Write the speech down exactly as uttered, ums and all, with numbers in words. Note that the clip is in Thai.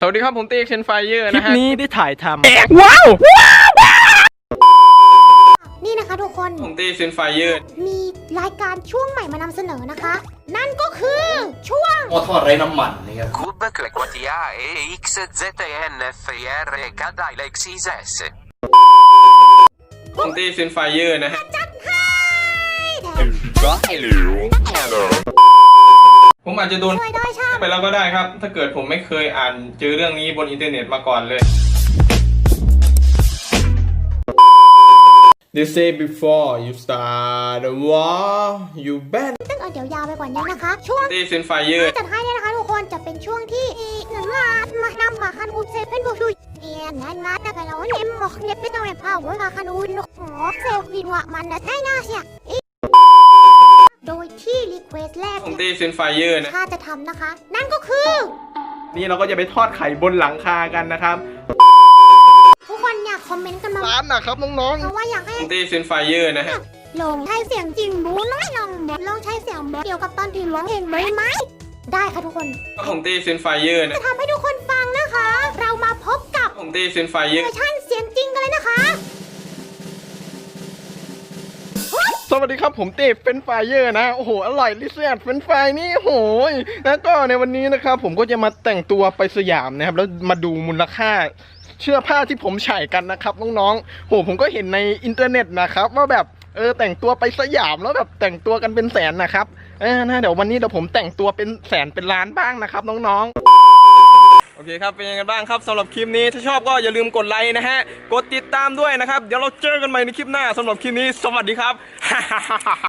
สวัสดีครับผมตีเชนไฟเยอร์นะฮะคลิปนี้ได้ถ่ายทำว้าวนี่นะคะทุกคนผมตีเชนไฟเยอร์มีรายการช่วงใหม่มานำเสนอนะคะ นั่นก็คือช่วงหม้อทอดไร้น้ำมันนะครับ Cube, Clequatia e X Z N F R K D I L X I S ผมตีเชนไฟเยอร์นะฮะจัดให้แถมผมอาจจะโดนช่วยด้วยช่างไปแล้วก็ได้ครับ ถ้าเกิดผมไม่เคยอ่านเจอเรื่องนี้บนอินเทอร์เน็ตมาก่อนเลย They say before you start the war you ban ซึ่งเอาเดี๋ยวยาวไปกว่านี้นะคะ ช่วงตีเชนไฟเยอร์จัดให้เนี่ยนะคะทุกคนจะเป็นช่วงที่หนึ่งล้านมานำมาคันอุเซเป็นบุชุยเอียนนั้นนะแต่เราเน้นบอกเน็ตไม่ต้องเน็ตเผาเวลาคันอุนขอเซลฟินว่ามันนะใช่น่าเสียโดยที่รีเควสแรกผมตีเชนไฟเยอร์นะถ้าจะทำนะคะ นั่นก็คือนี่เราก็จะไปทอดไข่บนหลังคากันนะครับทุกคนอยากคอมเมนต์กันมาร้านนะครับน้องเพราะว่าอยากให้ผมตีเชนไฟเยอร์นะฮะลองใช้เสียงจริงบูน้อยลองแบบลองใช้เสียงแบบเกี่ยวกับตอนที่ร้องเพลงไหมไหมได้ค่ะทุกคนผมตีเชนไฟเยอร์นะจะทำให้ทุกคนฟังนะคะ เรามาพบกับผมตีเชนไฟเยเวออร์ร์ชันเสียงจริงกันเลยนะคะๆ สวัสดีครับผมเต้เฟรนช์ฟรายเยอร์นะโอ้โหอร่อยลิเซียดเฟรนช์ฟรายนี่โอ้โหแล้วก็ในวันนี้นะครับผมก็จะมาแต่งตัวไปสยามนะครับแล้วมาดูมูลค่าเสื้อผ้าที่ผมใส่กันนะครับน้องๆโหผมก็เห็นในอินเทอร์เน็ตนะครับว่าแบบเออแต่งตัวไปสยามแล้วแบบแต่งตัวกันเป็นแสนนะครับเออนะเดี๋ยววันนี้เดี๋ยวผมแต่งตัวเป็นแสนเป็นล้านบ้างนะครับน้องๆโอเคครับเป็นยังไงบ้างครับสำหรับคลิปนี้ถ้าชอบก็อย่าลืมกดไลค์นะฮะกดติดตามด้วยนะครับเดี๋ยวเราเจอกันใหม่ในคลิปหน้าสำหรับคลิปนี้สวัสดีครับ